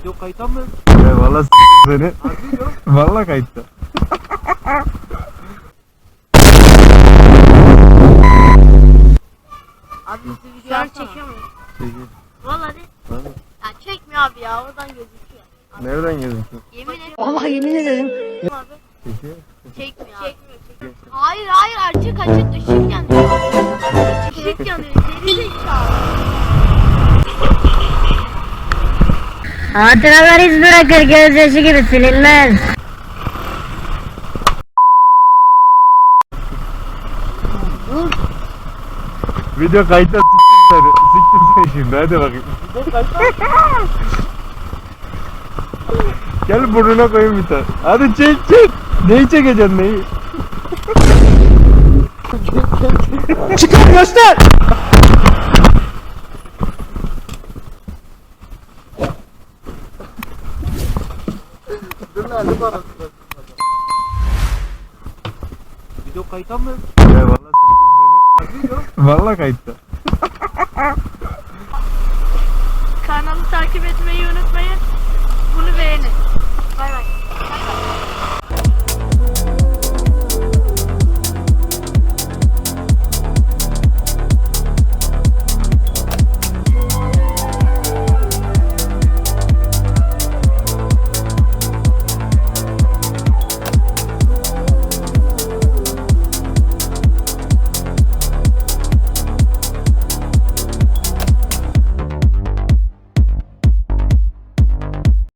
Video kayıta mı? Valla seni. Harbi yok. Valla kayıtta. Abi bizi video Şu an alsana. çekiyor muyum? Peki. Valla de. Valla. Ya çekmiyor abi ya oradan gözüküyor. Nereden gözüküyor? Yemin ederim. Vallahi yemin ederim. Abi Peki. çekmiyor abi. Hayır açık ışık yanıyor. Işık yanıyor. Geri zekalı. Hatıralar iz bırakır, gözyaşı gibi silinmez. Video kayıtta siktir seni. Siktir seni şimdi hadi bakayım. Video kayıta. Gel burnuna koyayım bir tane. Hadi çek. Neyi çekeceksin neyi? Çıkar göster. Dur lan dur arasında. Video kayıta mı? Valla siktir seni. Harbi yok. Valla kayıtta. Kanalı takip etmeyi unutmayın. Bunu beğenin. Bay bay.